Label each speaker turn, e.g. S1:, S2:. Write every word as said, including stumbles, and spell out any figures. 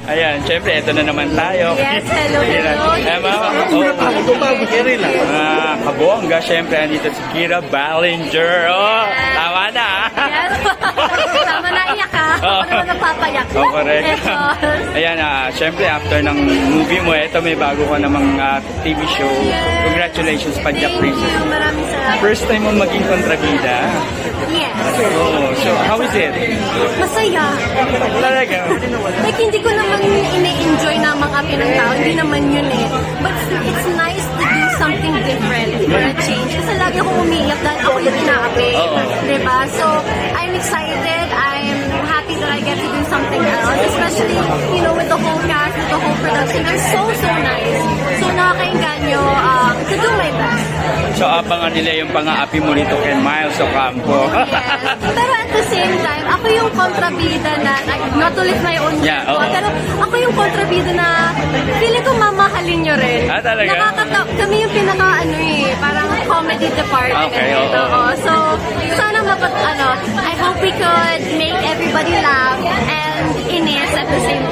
S1: Ayan, syempre, ito na naman tayo.
S2: Yes, hello, hello.
S1: Ayan, mga mga kabongga, syempre, andito si Kira Ballinger. Oh, tama na.
S2: Yes. Tama na, iyak ka. Ako naman napapayak.
S1: Oh, correct.
S2: Yes, oh.
S1: Ayan, ah, syempre, after ng movie mo, ito may bago ka namang ah, T V show. Congratulations, Padya
S2: Thank
S1: Princess.
S2: you. Maraming salamat.
S1: First time mo maging kontrabida.
S2: Yes.
S1: Oh, so how is it?
S2: Masaya.
S1: Talaga?
S2: Like, hindi ko naman ine-enjoy na mga ng tao. Hindi naman yun eh. But it's nice to do something different for a change. Kasi lagi akong umiiyak dahil ako yung inaapi.
S1: Oo.
S2: Diba? So, I'm excited. I'm happy that I get to do something else. Especially, you know, with the whole cast, with the whole production. They're so, so nice. So, nakakainganyo um, to do my best.
S1: So, abangan nila yung pang-aapi mo nito kay Miles Ocampo.
S2: Yes. Pero at the same time, ako yung kontrabida na, not to lift my own
S1: Yeah,
S2: ego,
S1: oo.
S2: pero ako yung kontrabida na feeling ko mamahalin nyo rin.
S1: Ah, talaga?
S2: Nakakata- kami yung pinaka, ano eh, parang comedy department.
S1: Okay, oo.
S2: Oo. So, sana mapat, ano, I hope we could make everybody laugh and inis at the same